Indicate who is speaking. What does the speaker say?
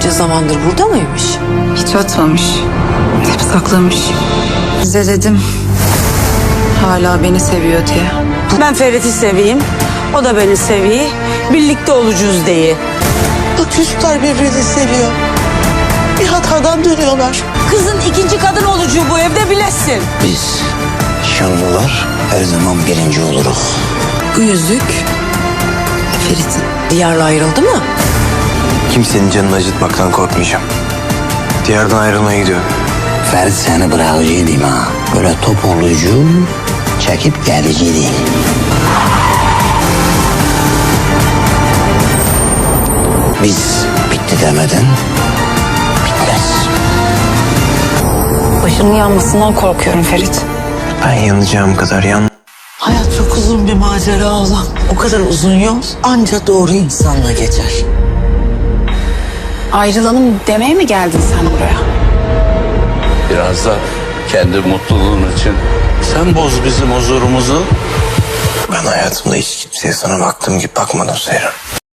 Speaker 1: Bunca zamandır burada mıymış?
Speaker 2: Hiç atmamış. Hep saklamış. Size dedim. Hala beni seviyor diye.
Speaker 3: Ben Ferit'i seveyim, o da beni seviyor. Birlikte olacağız diye.
Speaker 4: Bak çocuklar birbirini seviyor. Bir hatadan dönüyorlar.
Speaker 3: Kızın ikinci kadın olacağı bu evde bilesin.
Speaker 5: Biz Şanlılar her zaman birinci oluruz.
Speaker 1: Bu yüzük Ferit'in. Diyarla ayrıldı mı?
Speaker 6: Kimsenin canını acıtmaktan korkmayacağım. Diyardan ayrılmaya gidiyorum.
Speaker 5: Ferit seni bırakıcıydım ha. Böyle top olucu, çekip geleceğiydi. Biz bitti demeden bitmez.
Speaker 2: Başının yanmasından korkuyorum Ferit.
Speaker 6: Ben yanacağım kadar
Speaker 4: Hayat çok uzun bir macera olan. O kadar uzun yol ancak doğru insanla geçer.
Speaker 2: Ayrılalım demeye mi geldin sen buraya?
Speaker 7: Biraz da kendi mutluluğun için sen boz bizim huzurumuzu.
Speaker 6: Ben hayatımda hiç kimseye sana baktığım gibi bakmadım Seyran.